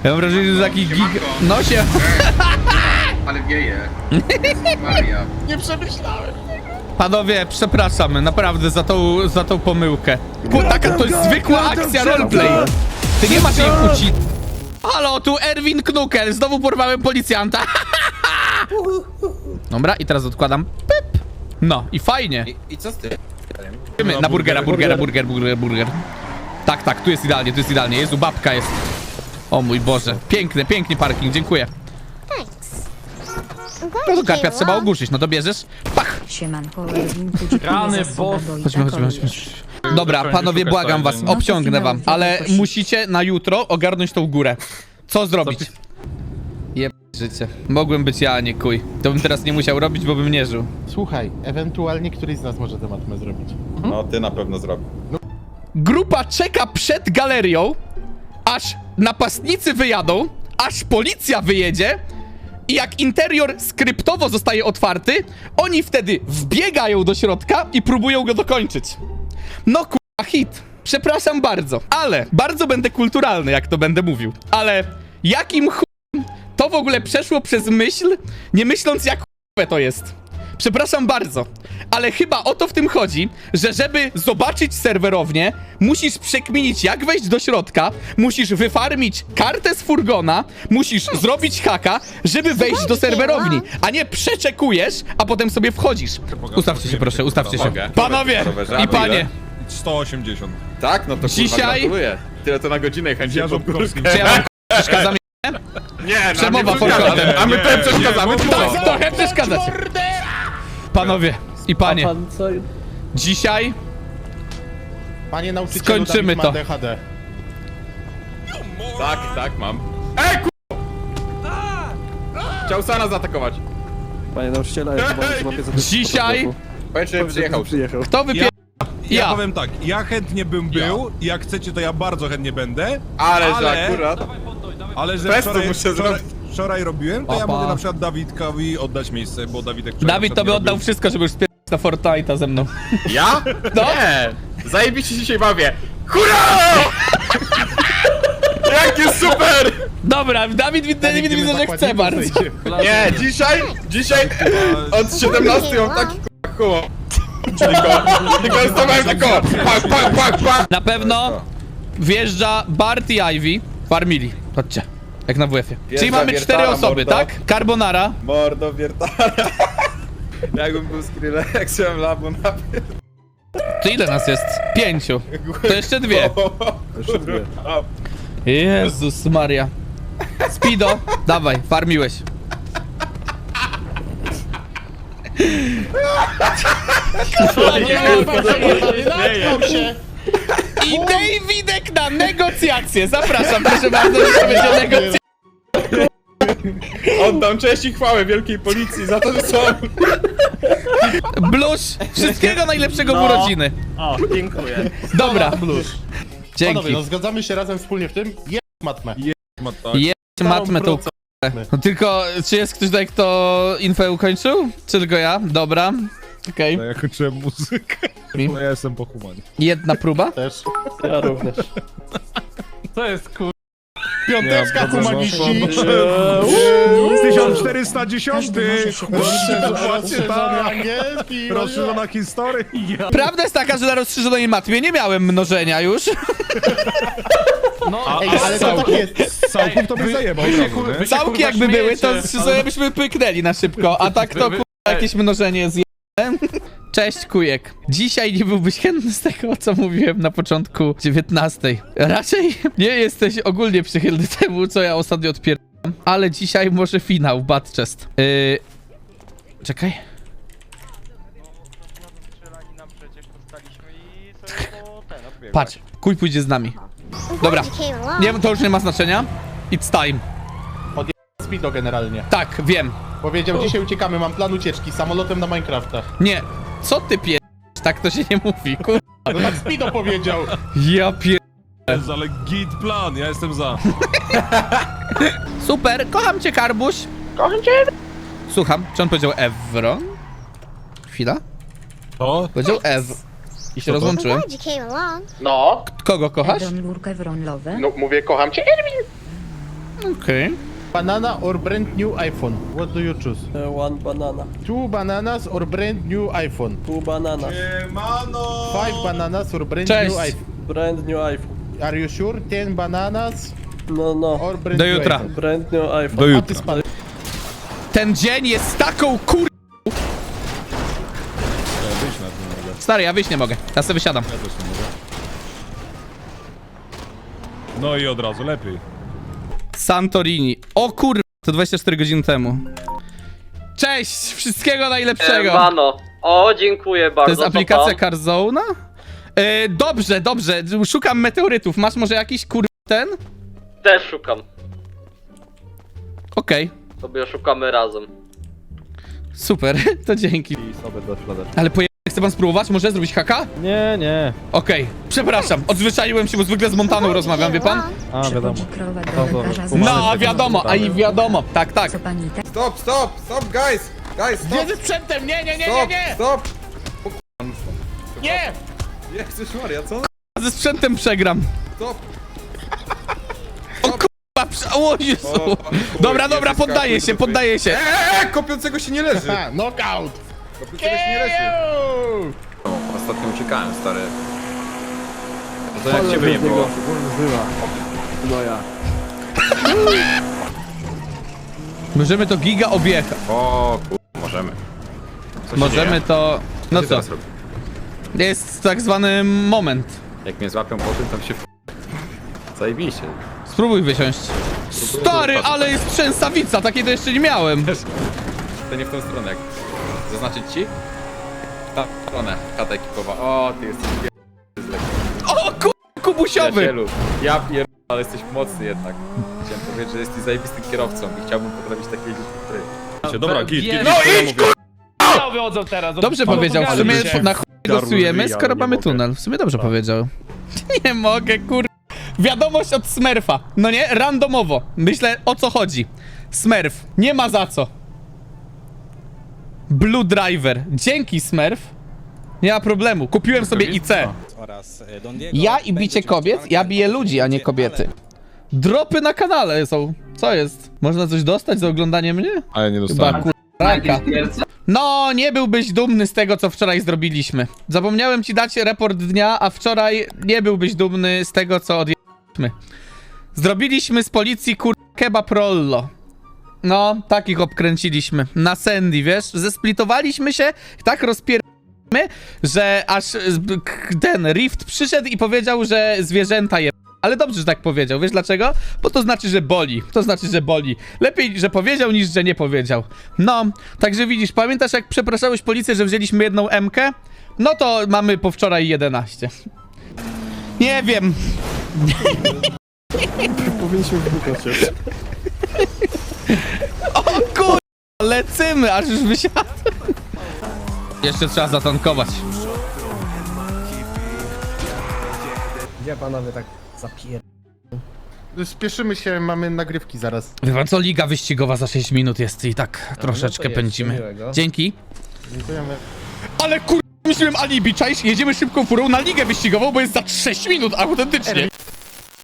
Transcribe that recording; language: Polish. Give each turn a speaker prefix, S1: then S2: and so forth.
S1: Ja mam wrażenie, że taki gig... No się...
S2: Ale wieje. Maria.
S3: Nie przemyślałem.
S1: Panowie, przepraszamy, naprawdę za tą pomyłkę. Taka to jest zwykła akcja roleplay. Ty nie masz jej ucić. Halo, tu Erwin Knukel, znowu porwałem policjanta. Dobra, i teraz odkładam. Pyp. No, i fajnie.
S4: I co z tym?
S1: Na burger. Tak, tu jest idealnie. Jezu, babka jest. O mój Boże, piękny parking, dziękuję. No to karpia trzeba ogłuszyć, no to bierzesz. Pach!
S5: Siemanko,
S6: Rany, bo...
S1: Chodźmy. Dobra, panowie, błagam was, obciągnę wam, ale musicie na jutro ogarnąć tą górę. Co zrobić? Jeb... życie. Mogłem być ja, a nie kuj. To bym teraz nie musiał robić, bo bym nie żył.
S3: Słuchaj, ewentualnie któryś z nas może tę matmę zrobić.
S4: No, ty na pewno zrobisz.
S1: Grupa czeka przed galerią, aż napastnicy wyjadą, aż policja wyjedzie i jak interior skryptowo zostaje otwarty, oni wtedy wbiegają do środka i próbują go dokończyć. No kurwa, hit. Przepraszam bardzo, ale bardzo będę kulturalny, jak to będę mówił. Ale jakim chujem to w ogóle przeszło przez myśl, nie myśląc jak chujowe to jest. Przepraszam bardzo, ale chyba o to w tym chodzi, że żeby zobaczyć serwerownię, musisz przekminić jak wejść do środka, musisz wyfarmić kartę z furgona, musisz zrobić haka, żeby wejść do serwerowni, a nie przeczekujesz, a potem sobie wchodzisz. Ustawcie się proszę, ustawcie się.
S4: Mogę.
S1: Panowie i panie,
S6: 180.
S4: Tak? No to kurwa,
S1: Dzisiaj-
S4: gratuluję. Tyle to na godzinę chętnie
S6: Ja Żabkowski.
S1: czy ja wam przeszkadzam?
S4: Nie,
S1: Przemowa forkotem.
S4: A my tutaj przeszkadzamy.
S1: Tak, trochę przeszkadzać. Panowie i panie, dzisiaj
S3: Panie nauczycielu,
S1: Skończymy
S3: Dawid ma
S1: to.
S3: DHD.
S4: Tak, mam. Chciał Sana zaatakować.
S7: Panie nauczyciela, ja chyba złapię za to.
S1: Dzisiaj
S4: Powiedz, że przyjechał.
S1: kto wypie...
S6: Ja
S1: Ja.
S6: powiem tak, ja chętnie bym był, jak chcecie to ja bardzo chętnie będę,
S4: Ale że akurat...
S6: ale że
S4: Festu
S6: wczoraj,
S4: muszę
S6: wczoraj,
S4: zrobić.
S6: wczoraj robiłem, to ja mogę na przykład Dawidkowi oddać miejsce, bo Dawidek wczoraj
S1: Dawid
S6: na
S1: to
S6: przykład
S1: by
S6: nie
S1: oddał
S6: robił.
S1: wszystko, żeby już spierdać na Fortnite'a ze mną.
S4: Ja?
S1: No.
S4: Nie! Zajebiście się dzisiaj bawię. Hurra! Jakie super!
S1: Dobra, Dawid widzę, że chce bardzo.
S4: Nie, dzisiaj od 17 mam taki humor. Tylko stawałem tylko pak.
S1: Na pewno wjeżdża Bart i Ivy. Farmili. Chodźcie. Jak na WF-ie. Czyli mamy 4
S4: wiertara,
S1: osoby,
S4: mordo.
S1: tak? Carbonara.
S4: Mordo wiertara. Jakbym był Skrillexem, labu na
S1: To ile nas jest? 5. To jeszcze 2.
S7: Jeszcze dwie.
S1: Jezus Maria. Speedo, dawaj, farmiłeś.
S3: Natknął się!
S1: I Davidek na negocjacje. Zapraszam, proszę bardzo, że to będzie negocjacja.
S4: Oddam cześć i chwałę wielkiej policji za to, że są...
S1: Blusz, wszystkiego najlepszego w urodziny.
S8: O, dziękuję.
S1: Dobra,
S3: Panowie,
S1: dzięki.
S3: no zgadzamy się razem wspólnie w tym. Jest matmę.
S1: Jedź matmę tą k***ę. No tylko, czy jest ktoś tutaj, kto info ukończył? Czy tylko ja? Dobra. Okej.
S6: Ja kończyłem muzykę, no ja jestem po humanie.
S1: Jedna próba.
S3: Też.
S8: Ja również.
S6: To jest kur...
S3: Piąteczka humaniści.
S6: 1410!
S3: Angielski.
S6: Rozszerzona historia.
S1: Prawda jest taka, że na rozszerzonej matmie nie miałem mnożenia już.
S3: Ej, ale to tak jest.
S6: Całków to by zajebał.
S1: Całki jakby były, to sobie byśmy pyknęli na szybko, a tak to jakieś mnożenie zje... Cześć Kujek. Dzisiaj nie byłbyś chętny z tego, co mówiłem na początku 19. Raczej nie jesteś ogólnie przychylny temu, co ja ostatnio odpierdam, ale dzisiaj może finał, Bad Chest. Czekaj. Patrz, Kuj pójdzie z nami. Dobra, nie, to już nie ma znaczenia. It's time.
S3: Speedo generalnie.
S1: Tak, wiem.
S3: Powiedział, dzisiaj uciekamy, mam plan ucieczki samolotem na Minecrafta.
S1: Nie, co ty pier... Tak to się nie mówi, kur...
S3: No tak Speedo powiedział.
S1: Ja pier...
S6: Ale git plan, ja jestem za.
S1: Super, kocham cię, Karbuś. Kocham cię. Słucham, czy on powiedział Evron? Chwila.
S6: To?
S1: Powiedział Ew. I się rozłączyłem.
S3: No,
S1: Kogo kochasz?
S5: Edon Lurkę Wronlowe.
S3: no mówię, kocham cię.
S1: Okej.
S3: Banana or brand new iPhone? What do you choose?
S7: One banana.
S3: 2 bananas or brand new iPhone?
S7: 2 bananas.
S3: 5 bananas or brand
S1: Cześć.
S3: new iPhone?
S7: Brand new iPhone.
S3: Are you sure? 10 bananas
S7: No.
S3: or brand
S1: Do
S3: new
S1: jutra.
S3: iPhone?
S7: Brand new iPhone.
S6: Do
S3: A ty
S6: jutra.
S3: spal...
S1: Ten dzień jest taką kur...
S6: Wyjść na tym mogę.
S1: Stary, ja wyjść nie mogę. Ja sobie wysiadam.
S6: Ja też nie mogę. No i od razu lepiej.
S1: Santorini. O kur... To 24 godziny temu. Cześć! Wszystkiego najlepszego!
S8: Mano. O, dziękuję bardzo.
S1: To jest aplikacja
S8: co pan?
S1: Carzona? Dobrze. Szukam meteorytów. Masz może jakiś kur... ten?
S8: Też szukam.
S1: Okej.
S8: Sobie szukamy razem.
S1: Super, to dzięki.
S7: I sobie do śladeczki.
S1: Ale chce pan spróbować? Może zrobić haka?
S7: Nie.
S1: Okej. Przepraszam, odzwyczaiłem się, bo zwykle z Montaną rozmawiam, wie pan?
S7: A, wiadomo.
S1: No, wiadomo, a i wiadomo. Tak.
S5: Co pani tak?
S4: Stop, guys! Guys,
S1: Gdzie
S4: stop!
S1: ze sprzętem? Nie!
S4: Stop!
S1: Nie!
S4: Jezus Maria, co?
S1: Ze sprzętem przegram.
S4: Stop!
S1: O kurwa, o Jezu. Dobra, poddaję się.
S4: Kopiącego się nie leży!
S3: Ha, knockout!
S4: Kopiącego się nie leży! Ostatnio uciekałem, stary. No to jak ciebie nie było?
S7: No ja.
S1: Możemy to giga objechać.
S4: O możemy. Co się
S1: Możemy
S4: dzieje?
S1: to... No
S4: ty
S1: co?
S4: teraz robisz?
S1: Jest tak zwany moment.
S4: Jak mnie złapią po tym, to się zajebiście.
S1: Spróbuj wysiąść. Stary, ale jest trzęsawica, takiej to jeszcze nie miałem.
S4: To nie w tą stronę, jak zaznaczyć ci? Ta stronę, chata ekipowa. O, ty jesteś
S1: O kubusiowy.
S4: przyjacielu. Ja ale jesteś mocny jednak. Chciałem powiedzieć, że jesteś zajebistym kierowcą i chciałbym potrafić takiej ludzi jak ty.
S6: Dobra, git.
S1: No
S6: idź,
S1: Dobrze powiedział, w sumie na chuj głosujemy,
S6: Garury,
S1: skoro
S6: nie
S1: mamy
S6: mogę.
S1: tunel. W sumie dobrze powiedział. Nie mogę, kur... Wiadomość od Smurfa. No nie, randomowo. Myślę, o co chodzi. Smurf, nie ma za co. Blue Driver. Dzięki, Smurf. Nie ma problemu. Kupiłem sobie IC. Ja i bicie kobiet, ja biję ludzi, a nie kobiety. Dropy na kanale są. Co jest? Można coś dostać za oglądanie mnie?
S6: A ja nie
S1: Chyba
S6: dostałem.
S1: kuraka. No, nie byłbyś dumny z tego, co wczoraj zrobiliśmy. Zapomniałem ci dać raport dnia, a wczoraj nie byłbyś dumny z tego, co odjęliśmy. Zrobiliśmy z policji kebab rollo. No, takich obkręciliśmy. Na Sandy, wiesz? Zesplitowaliśmy się, tak rozpieramy, że aż ten Rift przyszedł i powiedział, że zwierzęta je... Ale dobrze, że tak powiedział. Wiesz dlaczego? Bo to znaczy, że boli. To znaczy, że boli. Lepiej, że powiedział, niż że nie powiedział. No, także widzisz, pamiętasz, jak przepraszałeś policję, że wzięliśmy jedną M-kę? No to mamy po wczoraj 11. Nie wiem.
S7: Powinniśmy wbukać się.
S1: O kur... Lecymy, aż już wysiadł. Jeszcze trzeba zatankować.
S8: Gdzie panowie tak zapier...
S3: Spieszymy się, mamy nagrywki zaraz.
S1: Wie pan co, liga wyścigowa za 6 minut jest i tak troszeczkę
S8: jest,
S1: pędzimy.
S8: miłego.
S1: Dzięki.
S3: Dziękujemy.
S1: Ale kur... Myślałem alibi, czaisz? Jedziemy szybką furą na ligę wyścigową, bo jest za 6 minut, autentycznie.